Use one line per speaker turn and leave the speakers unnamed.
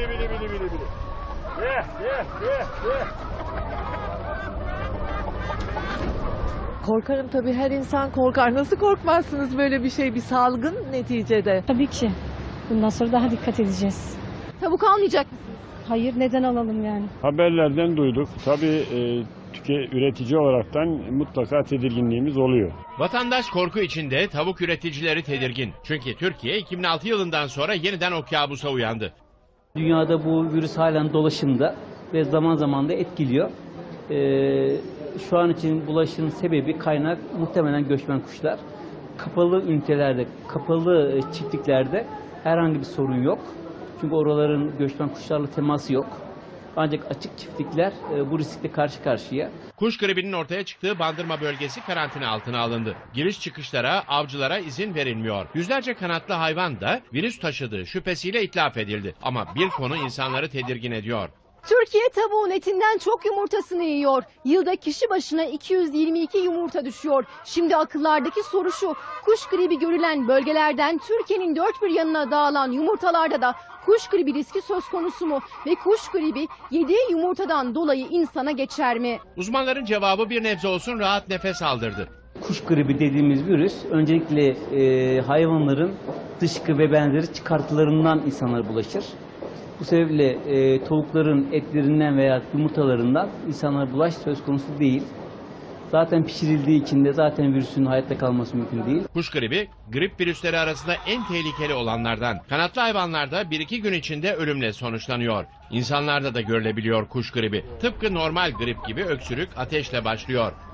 bili. Ye.
Korkarım tabii, her insan korkar. Nasıl korkmazsınız, böyle bir şey, bir salgın neticede?
Tabii ki. Bundan sonra daha dikkat edeceğiz.
Tavuk almayacak mısınız?
Hayır, neden alalım yani?
Haberlerden duyduk. Tabii üretici olaraktan mutlaka tedirginliğimiz oluyor.
Vatandaş korku içinde, tavuk üreticileri tedirgin. Çünkü Türkiye 2006 yılından sonra yeniden o kabusa uyandı.
Dünyada bu virüs halen dolaşımda ve zaman zaman da etkiliyor. Şu an için bulaşın sebebi, kaynak muhtemelen göçmen kuşlar. Kapalı ünitelerde, kapalı çiftliklerde herhangi bir sorun yok. Çünkü oraların göçmen kuşlarla teması yok. Ancak açık çiftlikler bu riskle karşı karşıya.
Kuş gribinin ortaya çıktığı Bandırma bölgesi karantina altına alındı. Giriş çıkışlara, avcılara izin verilmiyor. Yüzlerce kanatlı hayvan da virüs taşıdığı şüphesiyle itlaf edildi. Ama bir konu insanları tedirgin ediyor.
Türkiye tavuğun etinden çok yumurtasını yiyor. Yılda kişi başına 222 yumurta düşüyor. Şimdi akıllardaki soru şu: kuş gribi görülen bölgelerden Türkiye'nin dört bir yanına dağılan yumurtalarda da kuş gribi riski söz konusu mu? Ve kuş gribi yediği yumurtadan dolayı insana geçer mi?
Uzmanların cevabı bir nebze olsun rahat nefes aldırdı.
Kuş gribi dediğimiz virüs öncelikle hayvanların dışkı ve benzeri çıkartılarından insanlara bulaşır. Bu sebeple tavukların etlerinden veya yumurtalarından insanlara bulaş söz konusu değil. Zaten pişirildiği için de zaten virüsün hayatta kalması mümkün değil.
Kuş gribi, grip virüsleri arasında en tehlikeli olanlardan. Kanatlı hayvanlarda 1-2 gün içinde ölümle sonuçlanıyor. İnsanlarda da görülebiliyor kuş gribi. Tıpkı normal grip gibi öksürük, ateşle başlıyor.